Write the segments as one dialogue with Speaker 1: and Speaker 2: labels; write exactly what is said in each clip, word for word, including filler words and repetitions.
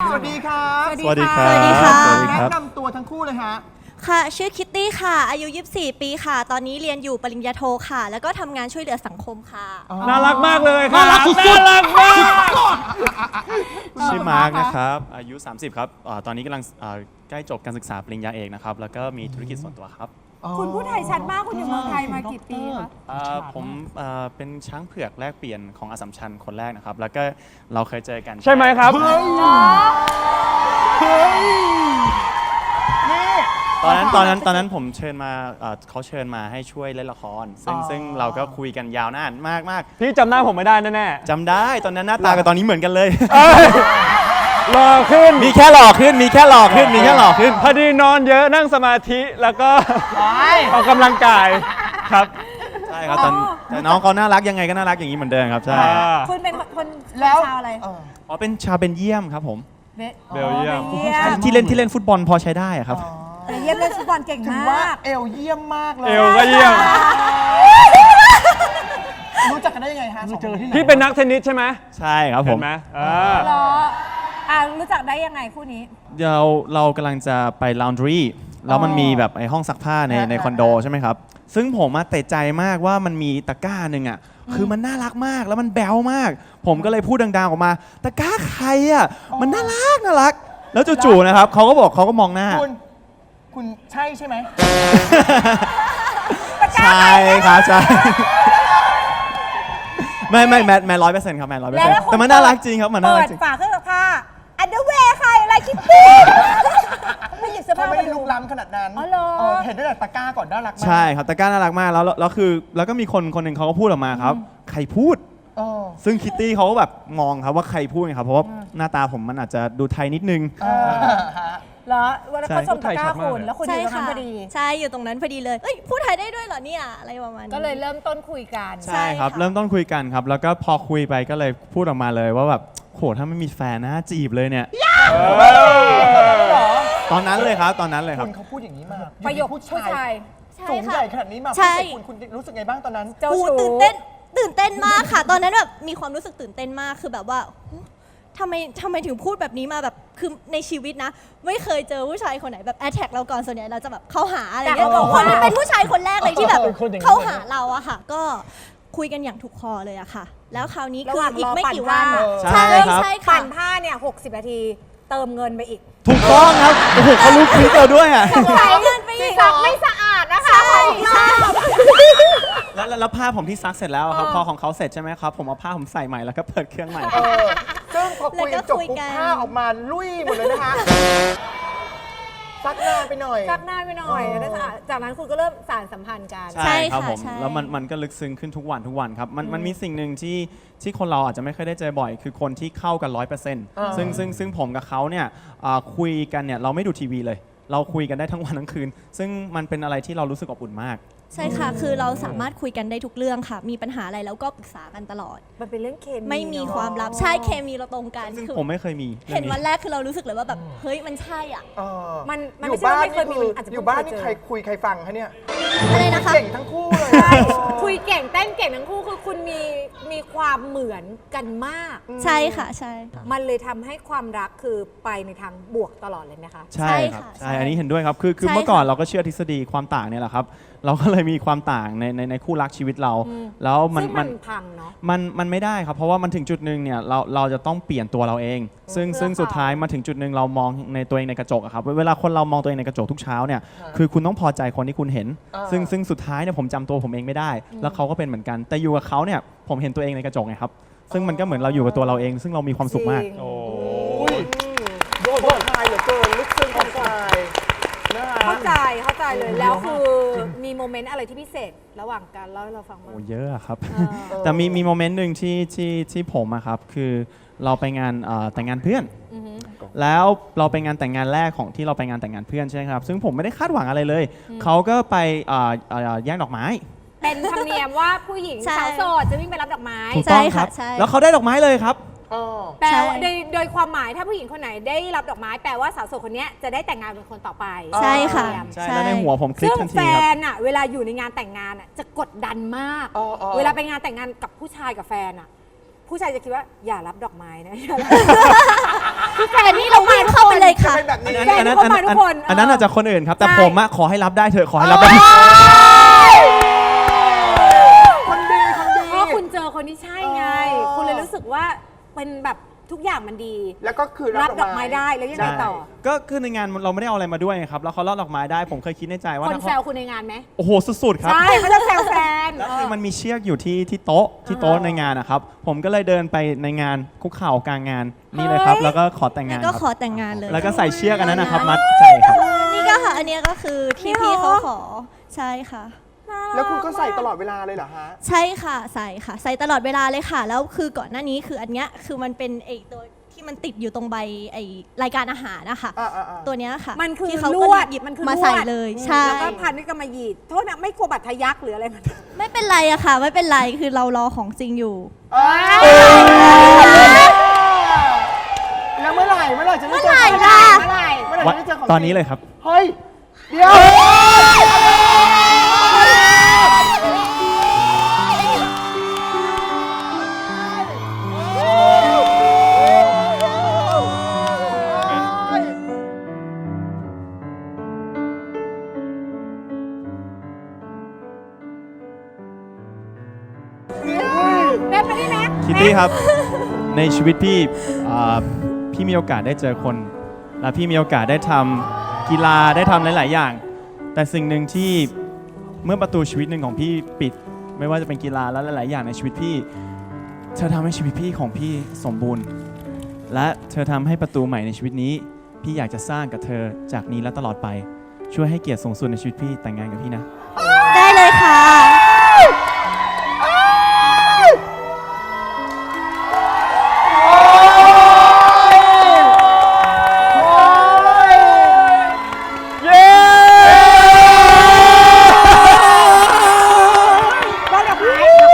Speaker 1: สวัสดีครับ
Speaker 2: สวัสดีครับ
Speaker 3: สวัสดีค่ะ
Speaker 1: แนะนำตัวทั้งคู่เลยฮะ
Speaker 3: ค่ะชื่อคิตตี้ค่ะอายุยี่สิบสี่ปีค่ะตอนนี้เรียนอยู่ปริญญาโทค่ะแล้วก็ทำงานช่วยเหลือสังคมค่ะ
Speaker 2: น่ารักมากเลยครับ
Speaker 1: น่ารักสุดๆ
Speaker 2: น่ารักมาก
Speaker 4: ชื่อมาร์กนะครับอายุ สามสิบ ครับอ่าตอนนี้กำลังอ่าใกล้จบการศึกษาปริญญาเอกนะครับแล้วก็มีธุรกิจส่วนตัวครับ
Speaker 5: คุณพูดไทยชัดมากคุณอยู่เมืองไทยมากี่ปีคะ
Speaker 4: อ่าผมอ่าเป็นช้างเผือกแลกเปลี่ยนของอัสสัมชัญคนแรกนะครับแล้วก็เราเคยเจอกัน
Speaker 2: ใช่ไหมครับ
Speaker 4: ตอนนั้นตอนนั้นตอนนั้นผมเชิญมาอ่าเขาเชิญมาให้ช่วยเล่นละคร ซึ่งซึ่งเราก็คุยกันยาวนานมากมาก
Speaker 2: พี่จำหน้าผมไม่ได้แน่
Speaker 4: จำได้ตอนนั้นหน้าตากับตอนนี้เหมือนกันเลย
Speaker 2: ๆรอขึ้น
Speaker 4: มีแค่หล่อขึ้นมีแค่หล่อขึ้นมีแค่หล่อขึ้น
Speaker 2: พอดีนอนเยอะนั่งสมาธิแล้วก็ออกกำลังกายครับ
Speaker 4: ใช่ครับแต่แต่น้องเขาน่ารักยังไงก็น่ารักอย่างนี้เหมือนเดิมครับใช่
Speaker 2: อ่า
Speaker 5: คุณเป็นคน
Speaker 1: แล้ว
Speaker 5: ชาวอะไร
Speaker 1: เออ
Speaker 4: อ๋อเป็นชาวเบนเยียมครับผม
Speaker 5: เบ
Speaker 2: เบลเยียม
Speaker 5: เบลเยียม
Speaker 4: ที่เล่นที่เล่นฟุตบอลพอใช้ได้อะครับ
Speaker 5: เบลเยียมเล่นฟุตบอลเก่ง
Speaker 1: ถึง
Speaker 5: มา
Speaker 1: ว่าก เอลเยี่ยมมากเลย
Speaker 2: เอวก็เยี่ยม
Speaker 1: รู้จักกันได้ยังไงฮะสองคน
Speaker 2: พี่เป็นนักเทนนิสใช่ไหม
Speaker 4: ใช่ครับผ
Speaker 2: เห็
Speaker 4: ม
Speaker 2: นไหมอ่า
Speaker 5: เหรออ่ารู้จักได้ยังไงคู่นี้
Speaker 4: เราเรากำลังจะไป laundry แล้วมันมีแบบไอห้องซักผ้าในในคอนโดใช่ไหมครับ ซึ่งผมมาเตะใจมากว่ามันมีตะกร้าหนึ่งอ่ะคือมันน่ารักมากแล้วมันแบ๊วมาก ผมก็เลยพูดดังๆออกมาตะกร้าใครอ่ะมันน่ารักน่ารัก แล้วจู่ๆนะครับเขาก็บอกเขาก็มองหน้า
Speaker 1: คุณ คุณใช่ใช่ไหม
Speaker 4: ใช่ครับใช่ ไม่ไม่แมทแมทร้อยเปอร์เซ็นต์ครับแมทร้อยเปอร์
Speaker 5: แล้
Speaker 4: เซ็น
Speaker 5: ว
Speaker 4: ต์แต่มันน่ารักจริงครับมันน่า
Speaker 5: เปิ
Speaker 4: รัก
Speaker 5: ด
Speaker 4: จริง
Speaker 5: ฝาเครื่องซักผ้าอันเดอร์แวร์ใครอะไรคิตตี้ไม่หยิบเสื้อ
Speaker 1: เขา
Speaker 5: ผ้า
Speaker 1: ไม่
Speaker 5: มา
Speaker 1: ได้
Speaker 5: ดู
Speaker 1: ลุกล้ำขนาดนั้น
Speaker 5: อ๋อเหรอ
Speaker 1: เออเห็นได้แต่ตะกร้าก่อนน่ารักมาก
Speaker 4: ใช่ครับตะกร้าน่ารักมากแล้วแล้วคือแล้วก็มีคนคนหนึ่งเขาก็พูดออกมาครับ ใครพูด
Speaker 1: เออ
Speaker 4: ซึ่งคิตตี้เขาก็แบบมองครับว่าใครพูดไงครับเพราะว่าหน้าตาผมมันอาจจะดูไทยนิดนึง
Speaker 1: เออฮะ
Speaker 5: เหรอวันนั้นเขาชมตะกร้า
Speaker 2: ใช่
Speaker 5: คุณแล้วคุณอ
Speaker 3: ใช่
Speaker 5: ยู่ตรงนั้
Speaker 3: ค่ะ
Speaker 5: นพอดี
Speaker 3: ใช่อยู่ตรงนั้นพอดีเลยเอ้ยพูดไทยได้ด้วยเหรอเนี่ยอะไรประมาณนี้
Speaker 5: ก็เลยเริ่มต้นคุยกัน
Speaker 4: ใช่ครับ
Speaker 3: ใช่ค่ะ
Speaker 4: เริ่มต้นคุยกันครับ แล้วก็พอคุยไปก็เลยพูดออกมาเลยว่าแบบโหถ้าไม่มีแฟนนะจีบเลยเนี่ยตอนนั้นเลยครับตอนนั้นเลยครั
Speaker 1: คุ
Speaker 4: บ
Speaker 1: ณเขาพูดอย่างนี้มา
Speaker 5: ประโยคผู้ชาย
Speaker 3: ใช่
Speaker 1: สูง
Speaker 3: ค่ะ
Speaker 1: ใหญ่ขนาดนี้มา
Speaker 3: ใช่
Speaker 1: พูดใส่คุณคุณรู้สึกไงบ้างตอนนั้น
Speaker 5: เจ้า
Speaker 3: โอ้
Speaker 5: ชู้
Speaker 3: ตื่นเต้นตื่นเต้นมากค่ะ ตอนนั้นแบบมีความรู้สึกตื่นเต้นมากคือแบบว่าทำไมทำไมถึงพูดแบบนี้มาแบบคือในชีวิตนะ ไม่เคยเจอผู้ชายคนไหนแบบแอทแทกเราก่อนส่วนใหญ่เราจะแบบเข้าหาอะไรเงี้ย
Speaker 5: แต่เขาบอก
Speaker 3: คน
Speaker 5: ว่า
Speaker 3: นี้เป็นผู้ชายคนแรกเลยที่แบบ
Speaker 1: เป็นคนอย่างนี้
Speaker 3: เข้าหาเราอะค่ะ ก็คุยกันอย่างถูกคอเลยอะค่ะ แล้วคราวนี้
Speaker 5: ระ
Speaker 3: คื
Speaker 5: ห
Speaker 3: อ
Speaker 5: ว่าง
Speaker 3: อี
Speaker 5: ร
Speaker 3: ก
Speaker 5: อ
Speaker 3: ไม่
Speaker 5: ปั่น
Speaker 3: กี่วัน
Speaker 5: ผ้า
Speaker 4: ใช่ครับ
Speaker 3: ใช่ค่ะ
Speaker 5: ปั่นผ้าเนี่ยหกสิบนาที เติมเงินไปอีก
Speaker 4: ถูกต้องครับโอ้โหเขารู้คลิปเราด้วยอ่ะ
Speaker 3: ใส่เงินไปอีกเหร
Speaker 5: ซั
Speaker 3: อก
Speaker 5: ไม่สะอาดนะคะ
Speaker 3: ใช่ใช่
Speaker 4: แล้วแล้วแล้วผ้าผมที่ซักเสร็จแล้วครับพอของเขาเสร็จใช่ไหมครับผมเอาผ้าผมใส่ใหม่แล้วก็เปิดเครื่องใหม่
Speaker 1: เออซึ่งพอคุยกันจบ
Speaker 3: แล้วก็คุย
Speaker 1: ปุ๊บ
Speaker 3: กัน
Speaker 1: ผ้าออกมาลุยหมดเลยนะคะซักหน้าไปหน่อย
Speaker 5: ซักหน้าไปหน่อยแล้วจากจากนั้นคุณก็เริ่มสานสัมพันธ์กัน
Speaker 3: ใช่
Speaker 4: ครับ
Speaker 3: ค่ะ
Speaker 4: ผม
Speaker 3: ใช่
Speaker 4: แล้วมันมันก็ลึกซึ้งขึ้นทุกวันทุกวันครับมันมันมีสิ่งหนึ่งที่ที่คนเราอาจจะไม่เคยได้เจอบ่อย คือคนที่เข้ากันร้อยเปอร์เซ็นต์
Speaker 1: อ่า
Speaker 4: ซึ่งซึ่งซึ่งผมกับเขาเนี่ยอ่าคุยกันเนี่ยเราไม่ดูทีวีเลย เราคุยกันได้ทั้งวันทั้งคืน ซึ่งมันเป็นอะไรที่เรารู้สึกอบอุ่นมาก
Speaker 3: ใช่ค่ะ คือเราสามารถคุยกันได้ทุกเรื่องค่ะ มีปัญหาอะไรแล้วก็ปรึกษากันตลอด
Speaker 5: มันเป็นเรื่องเคมี
Speaker 3: ไม่มี
Speaker 5: เนอะ
Speaker 3: ความลับ ใช่ เคมีเราตรงกัน
Speaker 4: ซึ่ง
Speaker 3: คือ
Speaker 4: ผมไม่เคยมี
Speaker 3: เห็น
Speaker 4: รื่อง
Speaker 3: วันแรกคือเรารู้สึกเลยว่าแบบ เฮ้ย มันใช่อ่ะ
Speaker 1: เออ
Speaker 5: มันมัน
Speaker 1: อ
Speaker 5: ไม่
Speaker 1: ยู่
Speaker 5: ใช่
Speaker 1: บ้า
Speaker 5: ว่าน ไม่เคยมี
Speaker 1: นี่
Speaker 5: มันอาจจะ
Speaker 1: อยู่บ้านนี่
Speaker 5: เพิ่ง
Speaker 1: ใคร
Speaker 5: เคยเจอ
Speaker 1: คุยใครฟังคะเนี่ย
Speaker 3: อะไรนะคะ
Speaker 1: เก่งทั้งคู่เลย
Speaker 5: ใช่คุยเก่งเต้นเก่งทั้งคู่คือคุณมีมีความเหมือนกันมาก
Speaker 3: ใช่ค่ะ ใช่ค่ะ
Speaker 5: มันเลยทำให้ความรักคือไปในทางบวกตลอดเลยไหมคะ
Speaker 4: ใช่ครับ
Speaker 3: ใช่ค่ะ
Speaker 4: ใช่
Speaker 3: ใช่
Speaker 4: อันนี้เห็นด้วยครับ คือคือ
Speaker 3: ใช่
Speaker 4: เมื่อก่อน
Speaker 3: ค่ะ
Speaker 4: เราก็เชื่อทฤษฎีความต่างเนี่ยแหละครับ เราก็เลยมีความต่างในในในคู่รักชีวิตเรา แล้วมัน
Speaker 5: ซึ่ง
Speaker 4: มั
Speaker 5: มัน นพังเนาะ
Speaker 4: มันมันไม่ได้ครับ เพราะว่ามันถึงจุดหนึ่งเนี่ยเราเราจะต้องเปลี่ยนตัวเราเอง ซึ่ง
Speaker 5: เพื่อ
Speaker 4: ซึ่งสุดท้ายมาถึงจุดหนึ่งเรามองในตัวเองในกระจกอะครับเวลาคนเรามองตัวเองในกระจกทุกเช้าเนี่ยคือคุณต้องพอใจคนที่คุณเห็น
Speaker 1: อ่า
Speaker 4: ซึ่งซึ่งสุดท้ายเนี่ยผมจำตัวผมเองไม่ได้ แล้วเขาก็เป็นเหมือนกัน แต่อยู่กับเขาเนี่ยผมเห็นตัวเองในกระจกไงครับซึ่งมันก็เหมือนเราอยู่กับตัวเราเอง ซึ่งเรามีความสุขมาก
Speaker 5: จริง
Speaker 2: โอ้
Speaker 1: อุ้ยโดนผ่อนคลายเหลือเกินลึกซึ้งผ่อนคลายนะคะ
Speaker 5: เข้าใจเข้าใจเลยแล้วคือมีโมเมนต์อะไรที่พิเศษระหว่างการเล่าให้เราฟังบ้าง
Speaker 4: โอ้เยอะอะครับ
Speaker 5: เออ
Speaker 4: แต่มีมีโมเมนต์หนึ่งที่ที่ที่ผมอะครับคือเราไปงานเอ่อแต่งงานเพื่อน
Speaker 5: อือฮึ
Speaker 4: แล้วเราไปงานแต่งงานแรกของที่เราไปงานแต่งงานเพื่อนใช่ไหมครับ ซึ่งผมไม่ได้คาดหวังอะไรเลย เขาก็ไปเอ่อเอ่อแย่งดอกไม้
Speaker 5: เป็นธรรมเนียมว่าผู้หญิง
Speaker 3: ใช่
Speaker 5: สาวโสดจะวิ่งไปรับดอกไม้
Speaker 4: ถูกต้องครับ
Speaker 3: ใช่ค่ะใช่
Speaker 4: แล้วเขาได้ดอกไม้เลยครับ
Speaker 1: อ๋อ
Speaker 5: แปล
Speaker 3: ใช่
Speaker 5: ว่าโดยโดยความหมายถ้าผู้หญิงคนไหนได้รับดอกไม้แปลว่าสาวโสดคนเนี้ยจะได้แต่งงานเป็นคนต่อไป
Speaker 3: ใช่ค่ะ
Speaker 4: ใช่ แล้วในหัวผมคลิก
Speaker 5: ซึ่ง
Speaker 4: ทันที
Speaker 5: แฟ
Speaker 4: ครับ
Speaker 5: นอะเวลาอยู่ในงานแต่งงานอะจะกดดันมาก
Speaker 1: อ๋ออ๋อ
Speaker 5: เวลาไปงานแต่งงานกับผู้ชายกับแฟนอะผู้ชายจะคิดว่าอย่ารับดอกไม้นะอย่ารับ
Speaker 3: แฟนนี่เราวิ่งเข้าไปเลยค่ะ
Speaker 1: เป็นแบบนี้
Speaker 4: อันนั้น
Speaker 5: แฟ
Speaker 4: อั
Speaker 5: น
Speaker 4: นนั้น
Speaker 5: ทุกคนมาทุกคน
Speaker 4: อันนั้น
Speaker 5: เออ
Speaker 4: อาจจะคนอื่นครับ แต่
Speaker 5: ใช่
Speaker 4: ผมอะขอให้รับได้เถอะขอให้รับได้
Speaker 1: คนดีคนดี
Speaker 5: เพราะคุณเจอคนที่ใช่ไง คุณเลยรู้สึกว่าเป็นแบบทุกอย่างมันดี
Speaker 1: แล้วก็คือ
Speaker 5: รับดอกไม้ได้แล้วยังไงต่อ
Speaker 4: ก็คือในงานเราไม่ได้เอาอะไรมาด้วยไงครับแล้วเขาลอดดอกไม้ได้ผมเคยคิดในใจว่า
Speaker 5: คน
Speaker 4: ถ้า
Speaker 5: แซ
Speaker 4: เขา
Speaker 5: วคุณในงานไหม
Speaker 4: โอ้โหสุดๆครับ
Speaker 5: ใช่เขาจะแซวแฟน
Speaker 4: แล้วคือมันมีเชือกอยู่ที่ที่โต๊ะที่โต๊ะในงานนะครับผมก็เลยเดินไปในงานคุกเข่ากลางงานนี่เลยครับ แล้วก็ขอแต่งงาน
Speaker 3: ก็
Speaker 4: ครับ
Speaker 3: ขอแต่งงานเลย
Speaker 4: แล้วก็ใส่เชือกอันนั้นนะครับมัดใจครับ
Speaker 3: นี่ก็ค่ะ อันเนี้ยก็คือที่พี่เขาขอ ใช่ค่ะ
Speaker 1: แล้วคุณก็ใส่ตลอดเวลาเลยเหรอฮะ
Speaker 3: ใช่ค่ะ ใส่ค่ะ ใส่ตลอดเวลาเลยค่ะ แล้วคือก่อนหน้านี้คืออันเนี้ยคือมันเป็นไอตัวที่มันติดอยู่ตรงใบไอรายการอาหารนะคะ
Speaker 1: อ่าอ่าอ่า
Speaker 3: ตัวเนี้ยค่ะ
Speaker 5: มันคือ
Speaker 3: ที่เขา
Speaker 5: ล
Speaker 3: ก็
Speaker 5: วด
Speaker 3: หยิบ
Speaker 5: มันคือ
Speaker 3: มา
Speaker 5: ลวด
Speaker 3: ใส่เลย ใช่
Speaker 5: แล้วก็พันด้วยกำมะหยี่โทษนะไม่กลัวบัตรทะยักหรืออะไรมัน
Speaker 3: ไม่เป็นไรอะค่ะ ไม่เป็นไรคือเรารอของจริงอยู่
Speaker 1: แล้วเมื่อไหร่เมื่อไหร่จะได้เจอ
Speaker 3: เมื่อไหร่
Speaker 1: กัน
Speaker 3: ล่ะ
Speaker 5: เมื่อไหร่
Speaker 1: เมื่อไหร่จะได้เจอของ
Speaker 4: ตอนนี้เลยครับ
Speaker 1: เฮ้ย เดี๋ยว
Speaker 5: แม่ไปได้ไหม
Speaker 4: คิตตี้ครับ ในชีวิตพี่อ่าพี่มีโอกาสได้เจอคน และพี่มีโอกาสได้ทำกีฬาได้ทำหลาย ๆ อย่าง แต่สิ่งหนึ่งที่เมื่อประตูชีวิตหนึ่งของพี่ปิด ไม่ว่าจะเป็นกีฬาและหลาย ๆ อย่างในชีวิตพี่ เธอทำให้ชีวิตพี่ของพี่สมบูรณ์ และเธอทำให้ประตูใหม่ในชีวิตนี้ พี่อยากจะสร้างกับเธอจากนี้และตลอดไป ช่วยให้เกียรติสูงสุดในชีวิตพี่แต่งงานกับพี่นะ
Speaker 3: ได้เลยค่ะ
Speaker 5: ได้ดอกไม้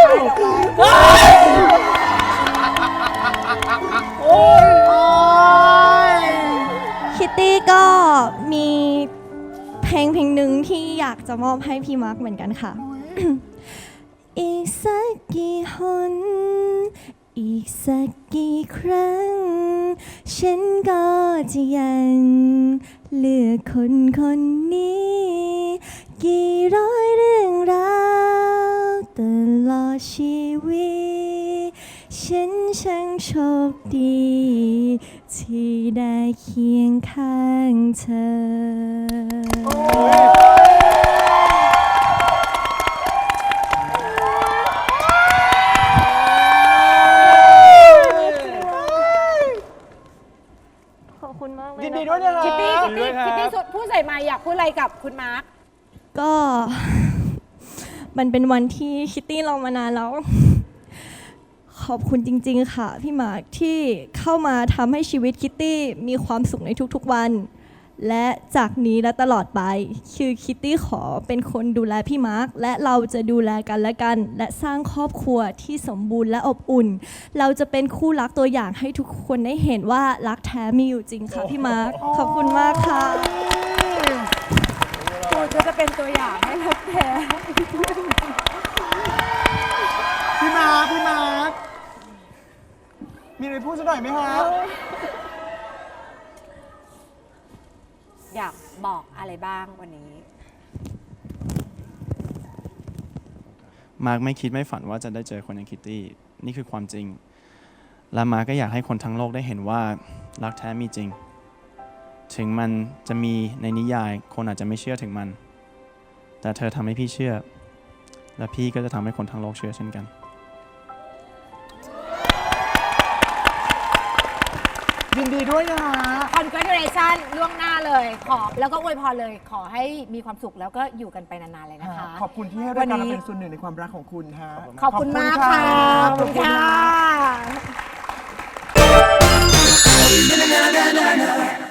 Speaker 3: คิตตี้ก็มีเพลงเพลงหนึ่งที่อยากจะมอบให้พี่มาร์คเหมือนกันค่ะ อีกสักกี่หน อีกสักกี่ครั้ง ฉันก็จะยังเลือกคนคนนี้ กี่ร้อยเรื่องราวตลอดชีวิต ฉันช่างโชคดี ที่ได้เคียงข้างเธอ ขอบคุณมากเลย
Speaker 1: ยินดีด้วยนะ
Speaker 5: คิตตี้
Speaker 1: คะ
Speaker 5: คิตตี้คิตตี้สุดพูดใส่ไมาอยากพูดอะไรกับคุณมาร์ค
Speaker 3: ก็ มันเป็นวันที่คิตตี้รอมานานแล้ว ขอบคุณจริงๆค่ะพี่มาร์คที่เข้ามาทำให้ชีวิตคิตตี้มีความสุขในทุกๆวัน และจากนี้และตลอดไป คือคิตตี้ขอเป็นคนดูแลพี่มาร์คและเราจะดูแลกันและกัน และสร้างครอบครัวที่สมบูรณ์และอบอุ่น เราจะเป็นคู่รักตัวอย่างให้ทุกคนได้เห็นว่ารักแท้มีอยู่จริงค่ะพี่มาร์คขอบคุณมากค่ะ
Speaker 5: คุณก็จะเป็นตัวอย่างให้รักแท้
Speaker 1: พี่มาร์คพี่มาร์คมีอะไรพูดสักหน่อยไหมฮะ
Speaker 5: อยากบอกอะไรบ้างวันนี้
Speaker 4: มาร์กไม่คิดไม่ฝันว่าจะได้เจอคนอย่างคิตตี้ นี่คือความจริง และมาร์กก็อยากให้คนทั้งโลกได้เห็นว่ารักแท้มีจริง ถึงมันจะมีในนิยาย คนอาจจะไม่เชื่อถึงมัน แต่เธอทำให้พี่เชื่อ และพี่ก็จะทำให้คนทั้งโลกเชื่อเช่นกัน
Speaker 1: ยินดีด้วยนะฮะ
Speaker 5: congratulation ล่วงหน้าเลยขอแล้วก็อวยพรเลย ขอให้มีความสุขแล้วก็อยู่กันไปนานๆเลยนะคะ
Speaker 1: ขอบคุณที่ให้รายการเราเป็นส่วนหนึ่งในความรักของคุณฮะ
Speaker 5: ขอบคุณมากค่ะ
Speaker 1: ขอบคุณค่ะ
Speaker 5: ขอบคุณค่ะ